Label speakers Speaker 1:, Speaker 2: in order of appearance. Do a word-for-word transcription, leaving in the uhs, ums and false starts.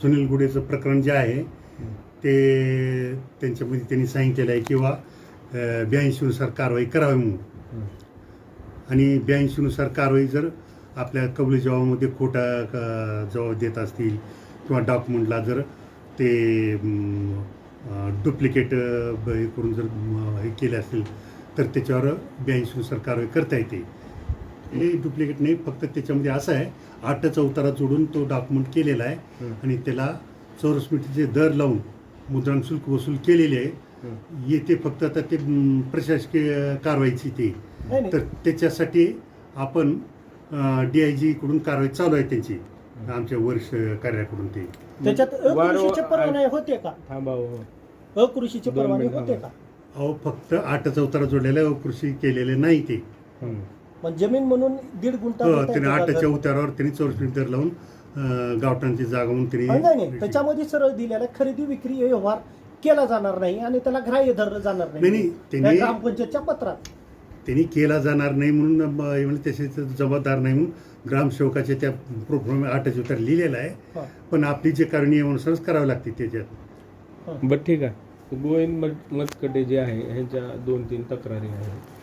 Speaker 1: सुनील गुडेचं प्रकरण जे आहे ते त्यांच्यामध्ये त्यांनी सांगितलेलं आहे किंवा ब्याऐंशीनुसार कारवाई करावी म्हणून. आणि ब्याऐंशीनुसार कारवाई जर आपल्या कबुली जबाबामध्ये खोटा जबाब देत असतील किंवा डॉक्युमेंटला जर ते डुप्लिकेट हे करून जर हे केले असतील तर त्याच्यावर ब्याऐंशीनुसार कारवाई करता येते. हे डुप्लिकेट नाही, फक्त त्याच्यामध्ये असं आहे आठचा उतारा जोडून तो डॉक्युमेंट केलेला आहे आणि त्याला चौरस मीटरचे दर लावून मुद्रण शुल्क वसूल केलेले आहे. येते फक्त आता ते प्रशासकीय कारवाईची ते, तर त्याच्यासाठी आपण डी आय जी कडून कारवाई चालू आहे त्यांची, आमच्या वर्ष कार्याकडून. ते
Speaker 2: त्याच्यात अकृषीचे परवाने होते का? अकृषीचे परवाने होते का?
Speaker 1: अहो फक्त आठचा उतारा जोडलेला आहे, अकृषी केलेले नाही ते.
Speaker 2: पण जमीन म्हणून दीड गुंठा
Speaker 1: त्याने आठच्या उतारावर त्यांनी चौरस मीटर दर लावून गावठाणची जागा म्हणून
Speaker 2: त्यांनी त्याच्यामध्ये सरळ दिलेला खरेदी विक्री व्यवहार केला जाणार नाही आणि त्याला ग्राह्य धरलं जाणार नाही.
Speaker 1: त्यांनी
Speaker 2: ग्रामपंचायतच्या पत्रात
Speaker 1: त्यांनी केला जाणार नाही म्हणून त्याचे जबाबदार नाही म्हणून ग्रामसेवकाच्या त्या प्रोग्राम आठच्या उतार लिहिलेला आहे. पण आपली जे कारणी नियमानुसारच करावी लागते त्याच्यात.
Speaker 3: बरं ठीक आहे. गोविंद मतकटे जे आहे ह्यांच्या दोन तीन तक्रारी आहेत.